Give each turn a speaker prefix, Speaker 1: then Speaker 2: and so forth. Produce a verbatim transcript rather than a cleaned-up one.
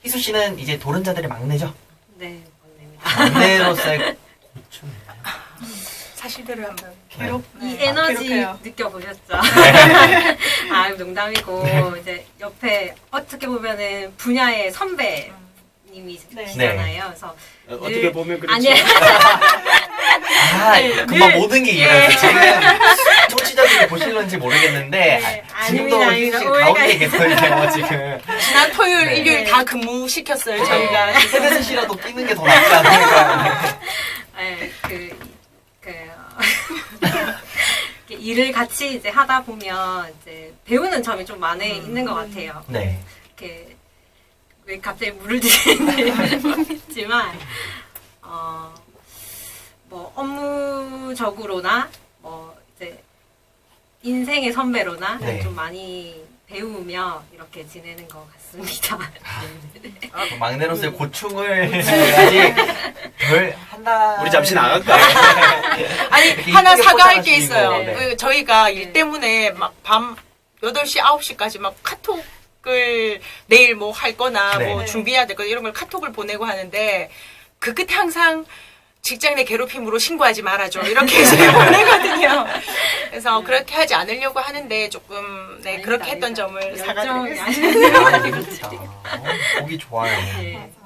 Speaker 1: 희수 씨는 이제 도른자들의 막내죠?
Speaker 2: 네, 막내입니다.
Speaker 1: 막내로서의 고충.
Speaker 3: 사실대로 한번
Speaker 2: 기록,
Speaker 3: 네.
Speaker 2: 이 에너지
Speaker 3: 기록해요.
Speaker 2: 느껴보셨죠? 아, 농담이고,
Speaker 1: 네.
Speaker 2: 이제 옆에 어떻게 보면은 분야의 선배님이시잖아요. 그래서
Speaker 4: 어, 어떻게 보면 그렇죠.
Speaker 2: 아니,
Speaker 1: 아, 금방
Speaker 2: 늘-
Speaker 1: 모든 게
Speaker 2: 예.
Speaker 1: 이해가서 지금 청취자들이 보실런지 모르겠는데
Speaker 2: 네,
Speaker 1: 아, 지금도
Speaker 2: 아닙니다,
Speaker 1: 희수 씨
Speaker 2: 아닙니다.
Speaker 1: 가운데 계세요 지금.
Speaker 3: 지난 토요일,
Speaker 1: 네.
Speaker 3: 일요일 다 근무시켰어요, 저희가.
Speaker 1: 헤드셋이라도 끼는 게 더 낫지 않을까.
Speaker 2: 네, 그, 그, 이렇게 일을 같이 이제 하다 보면 이제 배우는 점이 좀 많이 있는 것 같아요.
Speaker 1: 네.
Speaker 2: 이렇게 왜 갑자기 물을 드시는지 모르겠지만 어, 뭐 업무적으로나 뭐 이제 인생의 선배로나
Speaker 1: 네.
Speaker 2: 좀 많이 배우며 이렇게 지내는 것 같습니다.
Speaker 1: 그 막내로서의 고충을 아직 덜 한다.
Speaker 4: 우리 잠시 나갈까요?
Speaker 3: 아니,
Speaker 1: 이렇게
Speaker 3: 하나
Speaker 1: 이쁘게
Speaker 3: 사과할 게
Speaker 1: 포장하시고,
Speaker 3: 있어요.
Speaker 1: 네.
Speaker 3: 그 저희가 일
Speaker 2: 네.
Speaker 3: 때문에 막 밤 여덟 시, 아홉 시까지 막 카톡을 내일 뭐 할 거나
Speaker 1: 네.
Speaker 3: 뭐 준비해야 될 거 이런 걸 카톡을 보내고 하는데 그 끝에 항상 직장 내 괴롭힘으로 신고하지 말아줘. 이렇게 제가 보내거든요. 그래서 그렇게 하지 않으려고 하는데 조금 네,
Speaker 2: 아닙니다,
Speaker 3: 그렇게 했던
Speaker 2: 아닙니다.
Speaker 3: 점을
Speaker 2: 열정이
Speaker 3: 사과드리겠습니다.
Speaker 2: 아니에요.
Speaker 1: 아, 진짜. 어, 보기 좋아요.
Speaker 2: 네.